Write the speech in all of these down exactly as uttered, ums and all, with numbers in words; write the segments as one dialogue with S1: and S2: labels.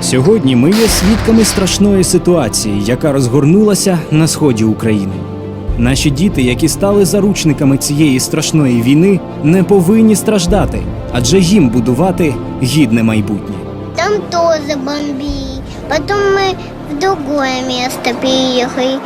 S1: Сьогодні ми є свідками страшної ситуації, яка розгорнулася на сході України. Наші діти, які стали заручниками цієї страшної війни, не повинні страждати, адже їм будувати гідне майбутнє.
S2: Там тоже бомбили. Потом мы в другое место переехали.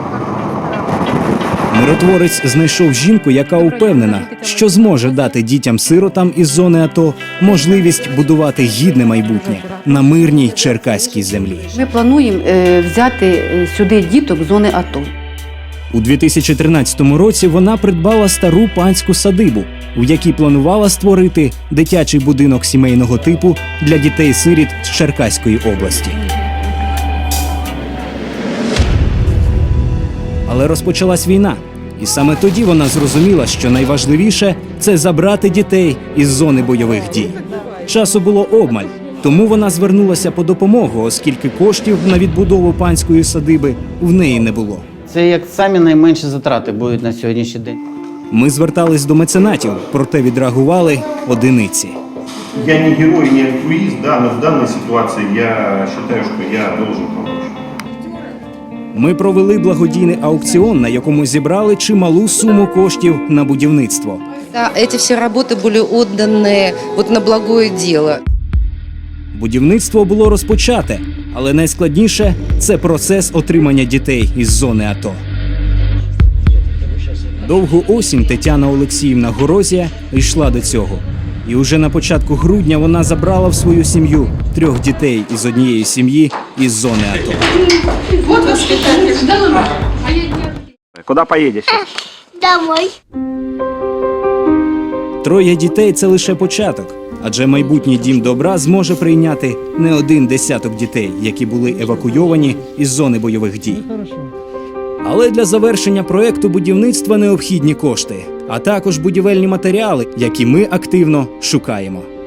S1: Миротворець знайшов жінку, яка упевнена, що зможе дати дітям-сиротам із зони АТО можливість будувати гідне майбутнє на мирній черкаській землі.
S3: Ми плануємо е, взяти е, сюди діток з зони АТО.
S1: У дві тисячі тринадцятому році вона придбала стару панську садибу, у якій планувала створити дитячий будинок сімейного типу для дітей-сиріт з Черкаської області. Але розпочалась війна, і саме тоді вона зрозуміла, що найважливіше – це забрати дітей із зони бойових дій. Часу було обмаль, тому вона звернулася по допомогу, оскільки коштів на відбудову панської садиби в неї не було.
S4: Це як самі найменші затрати будуть на сьогоднішній день.
S1: Ми звертались до меценатів, проте відреагували одиниці.
S5: Я не герой, не альтруист, да, но в данной ситуации я считаю, что я должен помочь.
S1: Ми провели благодійний аукціон, на якому зібрали чималу суму коштів на будівництво.
S6: Да, эти все работы были отданы вот на благое дело.
S1: Будівництво було розпочате, але найскладніше – це процес отримання дітей із зони АТО. Довгу осінь Тетяна Олексіївна Горозія йшла до цього. І уже на початку грудня вона забрала в свою сім'ю трьох дітей із однієї сім'ї із зони АТО.
S7: Вот воспитатель.
S1: Куди поїдеш?
S2: Домой.
S1: Троє дітей – це лише початок, адже майбутній дім добра зможе прийняти не один десяток дітей, які були евакуйовані із зони бойових дій. Але для завершення проекту будівництва необхідні кошти, а також будівельні матеріали, які ми активно шукаємо.